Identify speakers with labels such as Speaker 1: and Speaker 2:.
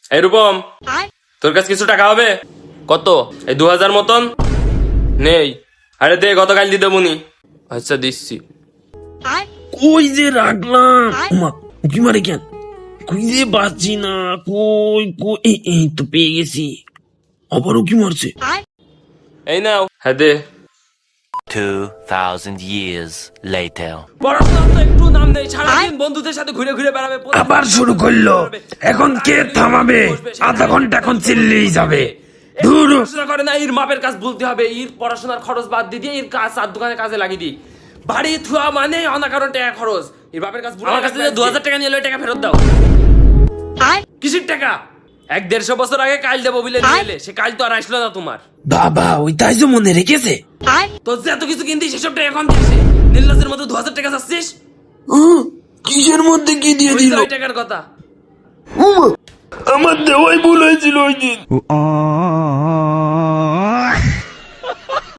Speaker 1: এই রূপম, তোর কাছে কিছু টাকা হবে? কত? এই 2000 মতন নেই। আরে দে, গতকাল দিতে মুনি। আচ্ছা দিচ্ছি।
Speaker 2: কই যে রাখলাম, ওমা উকি মারে কেন, কই যে বাঁচছি না, কই কই এই তো পেয়ে গেছি, আবার উকি মারছে।
Speaker 1: এই নাও। হ্যাঁ দে।
Speaker 3: 2000 years later.
Speaker 1: পড়াশোনার তো একটু নাম নেই, সারাদিন বন্ধুদের সাথে ঘুরে ঘুরে বেড়াবে।
Speaker 2: আবার শুরু করলো, এখন কে থামাবে? আধা ঘন্টা এখন চিল্লেই যাবে। ধুর,
Speaker 1: পড়াশোনা করে না, এর মাপের কাজ বলতে হবে। এর পড়াশোনার খরচ বাদ দিয়ে এর কাজ আর দোকানে কাজে লাগিয়ে দিই। বাড়ি থুয়া মানে অনাকারণ টাকা খরচ। এর বাপের কাজ আমার কাছে 2000 টাকা নিয়ে এলো, টাকা ফেরত দাও। কিসের টাকা? 1-150 বছর আগে কাল দেবো বলে নিয়ে সে কাল তো আর আসলো না তোমার।
Speaker 2: বাবা ওই তাই যে মনে রেখেছে।
Speaker 1: তোর যে এত কিছু কিনতি সেসব টাকা এখন দিয়েছে। নীলাসের মতো 2000 টাকা চাচ্ছিস?
Speaker 2: কিসের মধ্যে কি দিয়ে দিল?
Speaker 1: ওই টাকার কথা।
Speaker 2: আমার দেওয়াই ভুল হয়েছিল ওই দিন।